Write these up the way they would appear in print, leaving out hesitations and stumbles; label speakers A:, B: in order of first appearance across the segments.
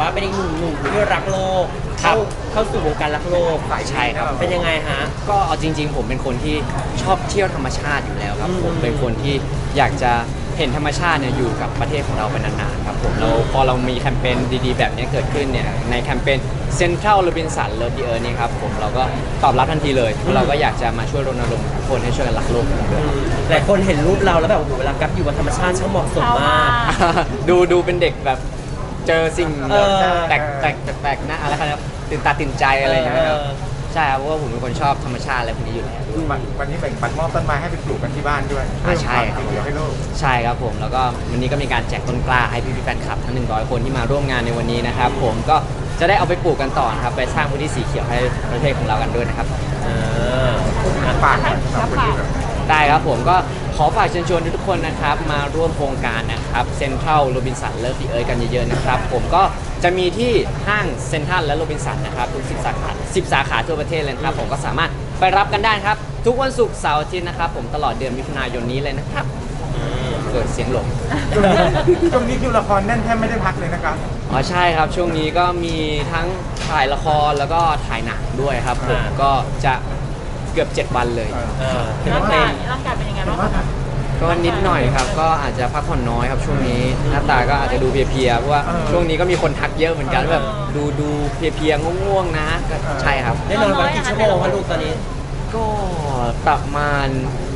A: ว่าเป็นอีกหนุ่มที่รักโลกเข้าสู่วงการรักโลก
B: ใช่ครับ
A: เป็นยังไงฮะ
B: ก็เอาจริงๆผมเป็นคนที่ชอบเที่ยวธรรมชาติอยู่แล้วครับผมเป็นคนที่อยากจะเห็นธรรมชาติเนี่ยอยู่กับประเทศของเราไปนานๆครับผมแล้วพอเรามีแคมเปญดีๆแบบนี้เกิดขึ้นเนี่ยในแคมเปญ Central Robinson Love the Earth นี่ครับผมเราก็ตอบรับทันทีเลยเราก็อยากจะมาช่วยรณรงค์ทุกคนให้ช่วยกันรักโลกกันด้วย
A: หลายคนเห็นรูปเราแล้วแบบโอ้โหเวลากับอยู่กับธรรมชาติช่างเหมาะสมมาก
B: ดูเป็นเด็กแบบเจอสิ่งแบบแปลกๆนะอะไรครับตื่นตาตื่นใจอะไรอย่างเงี้ยครับใช่ครับเพราะว่าผมเป็นคนชอบธรรมชาติอะไรพวกนี้อยู่แล้ว
C: วันนี้แบ่งปันมอบต้นไม้ให้ไปปลูกกันที่บ้านด้วย
B: ใช่ครับ
C: เดี๋ยวให้โลก
B: ใช่ครับผมแล้วก็วันนี้ก็มีการแจกต้นกล้าให้พี่ๆแฟนคลับทั้ง100คนที่มาร่วมงานในวันนี้นะครับผมก็จะได้เอาไปปลูกกันต่อครับไปสร้างพื้นที่สีเขียวให้ประเทศของเรากันด้วยนะครับ
C: ฝากหน่อยสำหรับคนที่แบบ
B: ได้ครับผมก็ขอฝากเชิญชวนทุกคนนะครับมาร่วมโครงการนะครับเซ็นทรัลโรบินสันเลิฟดีเอิร์ธกันเยอะๆนะครับผมก็จะมีที่ห้างเซ็นทรัลและโรบินสันนะครับทุก10 สาขาทั่วประเทศเลยนะครับผมก็สามารถไปรับกันได้ครับทุกวันศุกร์เสาร์อาทิตย์นะครับผมตลอดเดือนมิถุนายนนี้เลยนะครับเกิดเสียงหลง
C: ช่วงนี้คิวละครแน่นแทบไม่ได้พักเลยนะครับ
B: อ๋อใช่ครับช่วงนี้ก็มีทั้งถ่ายละครแล้วก็ถ่ายหนังด้วยครับผมก็จะเกือบ7 วันเลย
D: ร่างกายเป็นยังไงบ้างคะ
B: ก็นิดหน่อยครับก็อาจจะพักผ่อนน้อยครับช่วงนี้หน้าตาก็อาจจะดูเพลียๆเพราะว่าช่วงนี้ก็มีคนทักเยอะเหมือนกันแบบดูเพลียๆง่วงๆนะก็ใช่ครับ
A: ได้นอนวันกี่ชั่วโมงคะลูกตอนนี้
B: ก็ประมาณ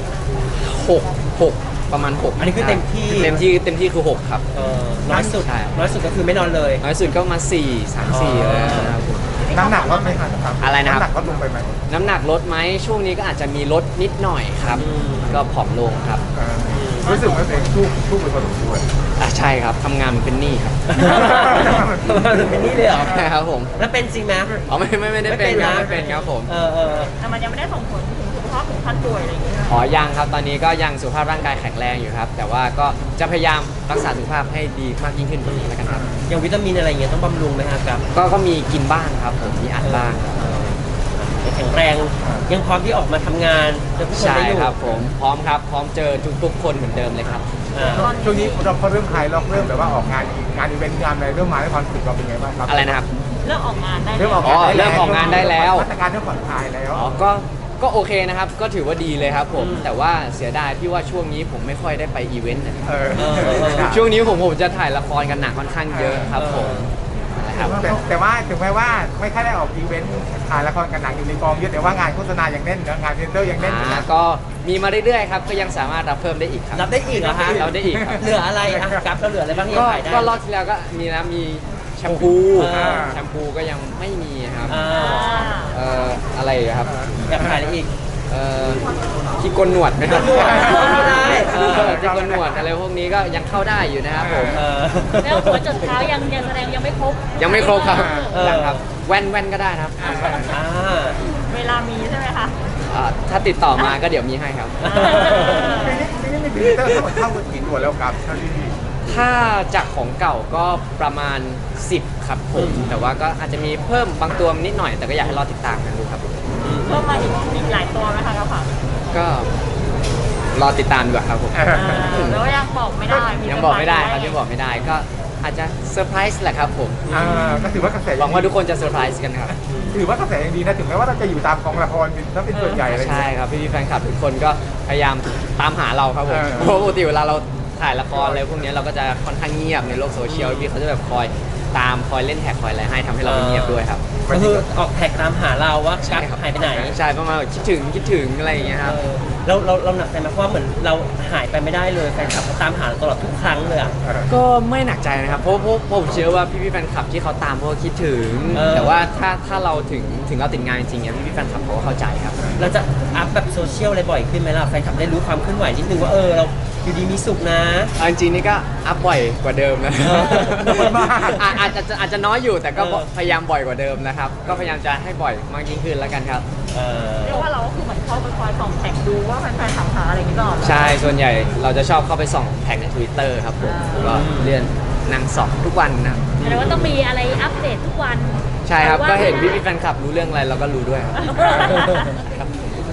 B: 6ประมาณ6
A: อันนี้คือเต็มที่
B: เต็มที่คือ6ครับ
A: น้อยสุด
B: ใช่
A: น้อยสุดก็คือไม่นอนเลย
B: น้อยสุดก็มา3-4เลยนะครับผม
C: น้ำหนักลดไหมครับ
B: อะไรนะครับ
C: น้ำหนักลดลงไปไหม
B: น้ำหนักลดไหมช่วงนี้ก็อาจจะมีลดนิดหน่อยครับก็ผอมลงครับ
C: รู้สึกว่าตัวเองสู้ไปพอสมควร
B: ใช่ครับทำงานมันเป็นหนี้ครับ
A: เป็นนี่เลยเหรอ
B: ใช่ครับผม
A: แล้วเป็นจริงไหม
B: อ๋อไม่ได้เป็นครับไม่เป็นครับผม
D: แต่มันยังไม่ได้ส่งผลถึงสุขภาพถึงขั้นป่วยอะไรอย่างเงี้ย
B: อ๋อยังครับตอนนี้ก็ยังสุขภาพร่างกายแข็งแรงอยู่ครับ แต่ว่าก็จะพยายามรักษาสุขภาพให้ดีมากยิ่งขึ้นกว่านี้แล้วกันครับ
A: อย่างวิตามินอะไรเงี้ยต้องบำรุงไหมครับกับ
B: ก็มีกินบ้างครับผมมีอัดบ้างครับ
A: แข็งแรงยังพร้อมที่ออกมาทำงานเจอผู้คน
B: ใช่
A: ได้อยู่
B: ครับผมพร้อมครับพร้อมเจอทุกคนเหมือนเดิมเลยครับ
C: ช่วงนี้เราพอเริ่มคลายล็อกเริ่มแบบว่าออกงานอีเวนต์งานอะไรเริ่มมาให้ความรู้สึกเราเป็นไงบ้างครับ
B: อะไรนะครับ
D: เริ่มออกงานได้
C: เริ่มออก
B: อ๋
C: งาน
B: อเริ่มออกงานได้แล้ว
C: มาตรการเริ่มผ่อนคลายแล้ว
B: อ๋อก็โอเคนะครับก็ถือว่าดีเลยครับผมแต่ว่าเสียดายที่ว่าช่วงนี้ผมไม่ค่อยได้ไปอีเวนต์นะครับ ช่วงนี้ผมจะถ่ายละครกันหนักค่อนข้างเยอะครับผมนะครับ
C: แต่ว่าถึงแม้ว่าไม่ค่อยได้ออกอีเวนต์ถ่ายละครกันหนังอยู่ในกองเยอะแต่ว่างานโฆษณายังแน่นนะงานเซ็นเตอร์ยังแน่นอยู่นะ
B: ก็มีมาเรื่อยๆครับก็ยังสามารถรับเพิ่มได้อีกครับ
A: รับได้อีกเหรอฮะ
B: รับได้อีกครับ
A: เหลืออะไรอ่ะกับเราเหลืออะไรบ้างที่
B: ก็
A: ขายได้
B: ก็รอบที่แล้วก็มีนะมีแชมพู แชมพูก็ยังไม่มีครับ อะไรอีกครับ
A: อยากขายอะไรอีก
B: ที่โกนหนวดไหมครับ
A: โกนหนวดเข้าได้
B: ที่โกนหนวดอะไรพวกนี้ก็ยังเข้าได้อยู่นะครับผม
D: แล้วหัวจดเท้ายังแสดงยังไม่ครบ
B: ยังไม่ครบครับ
A: เออ
B: ยังครับแว่นก็ได้ครับ
D: เวลามีใช่ไหมคะ
B: ถ้าติดต่อมาก็เดี๋ยวมีให้ครับ
C: ปีนี้มีพรีเซนเตอร์ทั้งหมดเข้ากันกี่ตัวแล้วครับเท่าที่
B: ถ้าจากของเก่าก็ประมาณ 10 ครับผม แต่ว่าก็อาจจะมีเพิ่มบางตัวนิดหน่อย แต่ก็อยากให้รอติดตามกันดูครับ
D: เพิ่มมาอีกหลายตัวไหมคะกระเป๋า
B: ก็รอติดตามดีกว่าครับผม
D: แล้วยังบอกไม่ได้
B: ยังบอกไม่ได้ครับยังบอกไม่ได้ก็อาจจะเซอร์ไพรส์แหละครับผม
C: ก็ถือว่ากระแส
B: หวังว่าทุกคนจะเซอร์ไพรส์กันครับ
C: ถือว่ากระแสยังดีนะถึงแม้ว่าเราจะอยู่ตามกองละครถ้าเป็นส่วนใหญ่อะไรอย่าง
B: ใช่
C: เงี้ย
B: ครับพี่ๆแฟนคลับทุกคนก็พยายามตามหาเราครับผม เพราะปกติเวลาเราถ่ายละครอะไรพวกนี้เราก็จะค่อนข้างเงียบในโลกโซเชียลพี่เขาจะแบบคอยตามคอยเล่นแท็กคอยอะไรให้ทำให้เราไม่เงียบด้วยครับ
A: ก็คือออกแท็กตามหาเราว่ากั๊กหายไปไหน
B: ใช่ประมาณคิดถึงอะไรอย่างเงี้ยครับ
A: เราหนักใจไหมเพราะว่าเหมือนเราหายไปไม่ได้เลยแฟนคลับเขาตามหาเราตลอดทุกครั้งเลยอ่ะ
B: ก็ไม่หนักใจนะครับเพราะผมเชื่อว่าพี่ๆแฟนคลับที่เขาตามเพราะว่าคิดถึง แต่ว่าถ้าเราถึงเราติดงานจริงๆเนี่ยพี่ๆแฟนคลับเขาก็เข้าใจครับ
A: เราจะอัพแบบโซเชียลอะไรบ่อยขึ้นไหมล่ะแฟนคลับได้รู้ความเคลื่อนไหวนิดนึงว่าเราอยู่ดีมีสุขนะ
B: เอาจริงๆนี่ก็อัพบ่อยกว่าเดิมนะ
A: น้อยมาก
B: อาจจะน้อยอยู่แต่ก็พยายามบ่อยกว่าเดิมนะครับ ก็พยายามจะให้บ่อยมากยิ่งขึ้นแล้วกันครับ
D: เรียกว่าเราก็คือเหมือนเข้าไปคอยส่องแท็กดูว่าแฟนๆถามหาอะไรอย่างนี้ตลอด
B: ใช่ส่วนใหญ่เราจะชอบเข้าไปส่องแท็กใน Twitter ครับผมก็เลื่อนนางส่องทุกวันนะ
D: แสดงว่าต้องมีอะไรอัปเดตทุกวัน
B: ใช่ครับก็เห็นพี่ๆแฟนคลับรู้เรื่องอะไรเราก็รู้ด้วยครับ
C: ช่วงนี้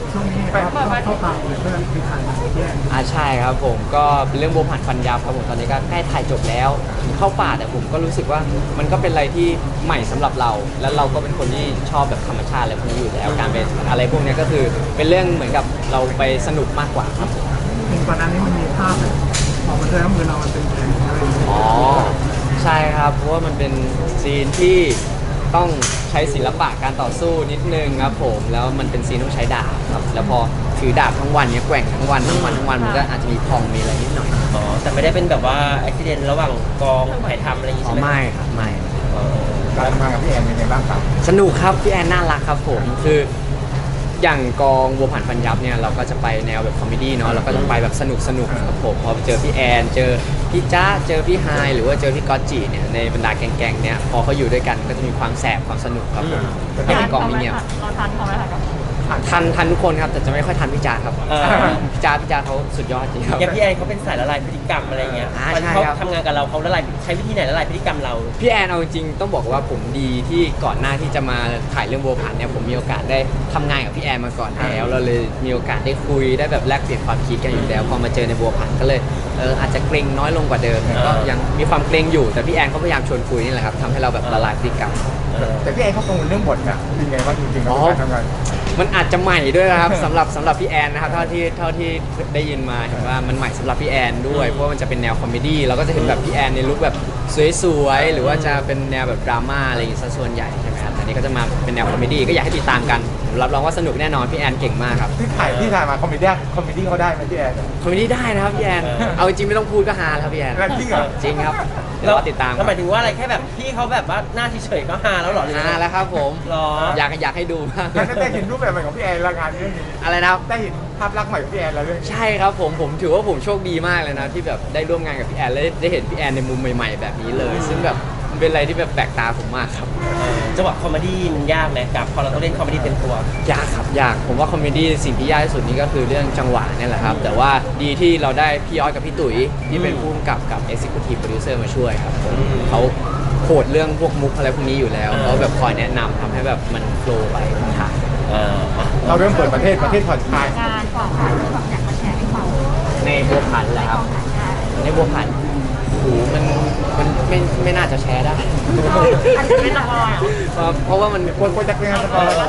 C: เข้าปากเลยเพื่อนคือทางแยก
B: ใช่ครับผมก็เป็นเรื่องบัวผันฟันยับครับผมตอนนี้ก็ใกล้ถ่ายจบแล้วถึงเข้าป่าแต่ผมก็รู้สึกว่ามันก็เป็นอะไรที่ใหม่สำหรับเรา แล้วเราก็เป็นคนที่ชอบแบบธรรมชาติอะไรพวกนี้อยู่แล้วการเป็นอะไรพวกนี้ก็คือเป็นเรื่องเหมือนกับเราไปสนุกมากกว่าครับผม
C: เห็นก่อนหน้านี้มันมีภาพแบบพอมันเจอมือเรามันเป็นแผลอะไรอย่างเงี้ย
B: อ๋อใช่ครับเพราะว่ามันเป็นซีนที่ต้องใช้ศิลปะการต่อสู้นิดนึงครับผมแล้วมันเป็นซีนต้องใช้ดาบครับแล้วพอถือดาบทั้งวันเนี่ยแกว่งทั้งวันมันก็อาจจะมีพองมีอะไรนิดหน่อย
A: อ๋อแต่ไม่ได้เป็นแบบว่าอุบิเหตุระหว่างกองถ่ายทำอะไรอย่างงี้
B: อ๋อ
A: ใช่ไหม
B: ไม่ครับไม่
C: การทำงานกับพี่แอนเป็นไงบ้างครับ
B: สนุกครับพี่แอนน่ารักครับผมคืออย่างกองบัวผันฟันยับเนี่ยเราก็จะไปแนวแบบคอมเมดี้เนาะเราก็จะไปแบบสนุกครับผมพอเจอพี่แอนเจอพี่จ๊ะเจอพี่ไฮายหรือว่าเจอพี่ก๊อตจีเนี่ยในบรรดาแก๊งๆเนี่ยพอเขาอยู่ด้วยกันก็จะมีความแสบความสนุกครับผมไม่เป็นกองมิเนียม
D: เราทันเขาไหมคะ
B: ทันทุกคนครับแต่จะไม่ค่อยทันพี่จ๊ะครับ
A: เออ
B: พี่จ๊ะเขาสุดยอดจริงครับ
A: อย่างพี่แอนเขาเป็นสายละลายพฤติกรรมอะไรเงี้ย
B: ใช่
A: ตอนที่เขา
B: ครับ
A: ทำงานกับเราเขาละลายใช้วิธีไหนละลายพฤติกรรมเรา
B: พี่แอนเอาจริงๆต้องบอกว่าผมดีที่ก่อนหน้าที่จะมาถ่ายเรื่องบัวผันเนี่ยผมมีโอกาสได้ทำงานกับพี่แอนมาก่อนแล้วเราเลยมีโอกาสได้คุยได้แบบแลกเปลี่ยนความคิดกันอยู่แล้วพอมาเจอในบัวผันก็เลยอาจจะเกรงน้อยลงกว่าเดิมก็ยังมีความเกรงอยู่แต่พี่แอนเขาพยายามชวนคุยนี่แหละครับทำให้เราแบบละลายพฤติกรรม
C: แต่พี่แอนเขากังวลเรื่องบทอะเป็นไงบ้างจริงๆแล้วการทำงาน
B: มันอาจจะใหม่ด้วยนะครับ สำหรับพี่แอนนะครับเท่าที่ได้ยินมาเห็นว่ามันใหม่สำหรับพี่แอนด้วยเพราะว่ามันจะเป็นแนวคอมเมดี้เราก็จะเห็นแบบพี่แอนในลุคแบบสวยๆหรือว่าจะเป็นแนวแบบดราม่าอะไรอย่างงี้ซะส่วนใหญ่ใช่ไหมครับแต่นี่ก็จะมาเป็นแนวคอมเมดี้ก็อยากให้ติดตามกันผมรับรองว่าสนุกแน่นอนพี่แอนเก่งมากครับ
C: ที่ถ่ายมาคอมเมดี้เขาได้ไหมพี่แอน
B: คอมเมดี้ได้นะครับพี่แอนเอาจริงไม่ต้องพูดก็ฮาแล้วครับพี่แอน
C: แล้วจริงเหรอ
B: จริงครับเดี๋ยวรอติดตาม
A: แล้วหมายถึงว่าอะไรแค่แบบพี่เขาแบบว่าหน้าเฉยๆก็ฮาแล้วเหรอหรือ
B: ฮาแล้วครับผม
A: หรอ
B: อยากให้ดูมาก
C: แล้วได้เห็นรูปแบบใหม่ของพี่แอนและงานเรื่องนี้
B: อะไรนะครับ
C: ได้เห็นภาพลักษณ์ใหม่ของพี่แอนแล้วเรื่องนี้
B: ใช่ครับผมถือว่าผมโชคดีมากเลยนะที่แบบได้ร่วมงานกับพี่แอนและได้เห็นพี่แอนในมุมใหม่ๆแบบนี้เลย ซึ่งแบบมันเป็นอะไรที่แบบแปลกตาผมมากครับ
A: จังหวะคอมเมดี้มันยากไหมกับพอเราต้องเล่นคอมเมดี้เต็มตัวย
B: ากครับยากผมว่าคอมเมดี้สิ่งที่ยากที่สุดนี่ก็คือเรื่องจังหวะนี่แหละครับแต่ว่าดีที่เราได้พี่ออสกับพี่ตุ๋ยที่เป็นผู้กำกับกับ Executive Producer มาช่วยครับผมเขาโคดเรื่องพวกมุกอะไรพวกนี้อยู่แล้วเขาแบบคอยแนะนำทำให้แบบมันโฟลว์ไปทาง
C: เราเริ่มเปิดประเทศผ่อนคลาย
D: งานก่อนค่ะที่แบบอยากมาแชร์ให้ฟัง
B: ในบัวผันแหละครับในบัวผันโอ้โหมันไม่น่าจะแชร์ได้
D: อันนี้ไม่ต้องรอยเหรอ
B: เพราะว่ามัน
C: ควรจะเป็นงานสปอยล์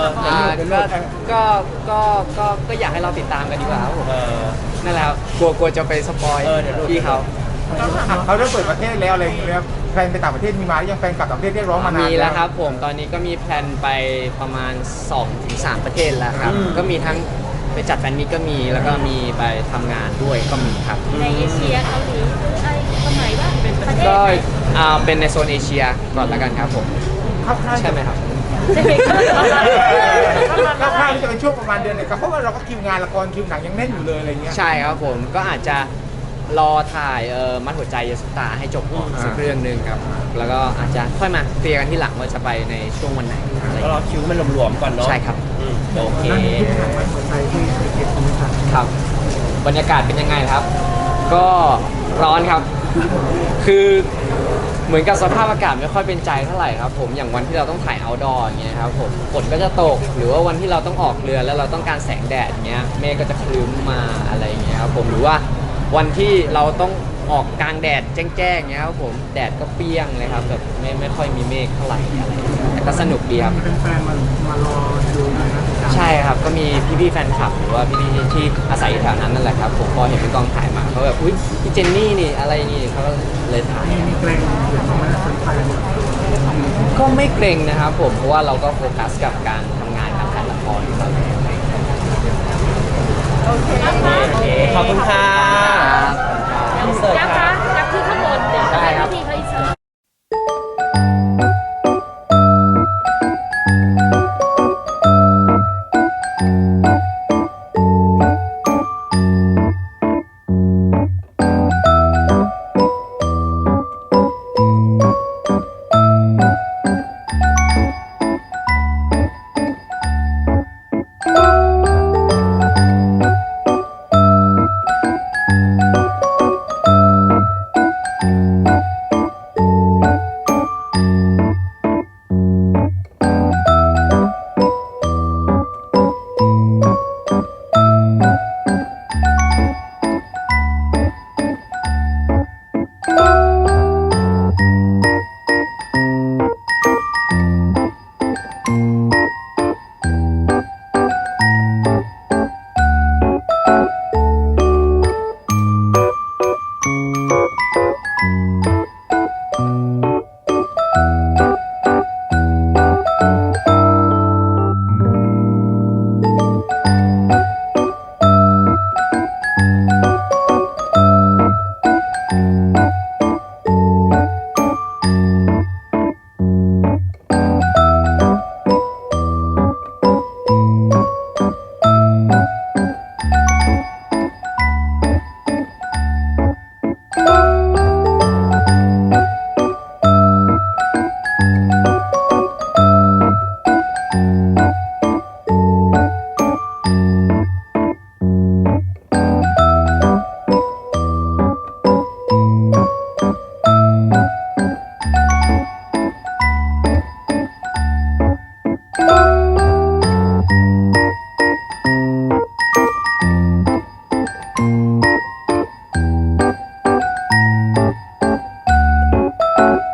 B: ก็อยากให้เราติดตามกันดีกว่าครับผมนั่นแหละครับกลัวจะไปสปอยพี่เขา
C: เขาเริ่มเปิดประเทศแล้วอะไรอย่างเงี้ยแฟนไปต่างประเทศมีมาหรือยังแฟนกลับต่างประเทศเรียกร้องมานาน
B: มีแล้วครับผมตอนนี้ก็มีแพลนไปประมาณ 2-3 ประเทศแล้วครับก็มีทั้งไปจัดแฟนมีตก็มีแล้วก็มีไปทำงานด้วยก็มีครับ
D: ในเอเชียเกาหลีอะไรสมัยว่าเป็นประเทศ
B: ก็
D: ไหน
B: เป็นในโซนเอเชียก่อนแล้วกันครับผม
C: เข้า
B: ใช่ไหมครับ
D: ใช่ไหมคะ
C: ข้าวๆที่จะเป็นช่วงประมาณเดือนเนี่ยเพราะว่าเราก็คิวงานละครคิวหนังยังแน่นอยู่เลยอะไรเงี้ย
B: ใช่ครับผมก็อาจจะรอถ่ายมัดหัวใจเยสุตาให้จบก่อนสักเรื่องหนึ่งครับแล้วก็อาจจะค่อยมาเคลียร์กันที่หลังว่าจะไปในช่วงวันไหนอะไร
A: ก็รอคิวมันหลวมๆก่อนเนาะ
B: ใช่ครับ
A: โอเค
B: ครับบรรยากาศเป็นยังไงครับ ก็ร้อนครับ คือเหมือนกับสภาพอากาศไม่ค่อยเป็นใจเท่าไหร่ครับผมอย่างวันที่เราต้องถ่าย outdoor อย่างเงี้ยครับผมฝนก็จะตกหรือว่าวันที่เราต้องออกเรือแล้วเราต้องการแสงแดดเงี้ยเมฆก็จะครึ้มมาอะไรอย่างเงี้ยครับผมหรือว่าวันที่เราต้องออกกลางแดดแจ้งๆเงี้ยครับผมแดดก็เปรี้ยงเลยครับแบบไม่ค่อยมีเมฆเท่าไหร่อะไรอย่างเงี้ยแต่ก็สนุกดีครับ
C: เป็นแฟนมารอดูนะ
B: ใช่ครับก็มีพี่ๆแฟนคลับหรือว่าพี่ๆที่อาศัยอยู่แถวนั้นนั่นแหละครับผมพอเห็นเป็นกองถ่ายมาเขาแบบอุ๊ยพี่เจนนี่นี่อะไรนี่เขาก็เลยถ่าย
C: มีเกรงหรือว่าสนใจ
B: ก็ไม่เกรงนะครับผมเพราะว่าเราก็โฟกัสกับการทำงานกับการละครครับ
D: โอเคนะคะ
A: โอเคขอบคุณค่ะ อินเสิร์ต
D: ยักษ์
A: ค่ะ
D: คะยักษ์ที่ข้างบนเดี๋ยวจะให้พี่เขาอินเสิร์ต
C: ครับ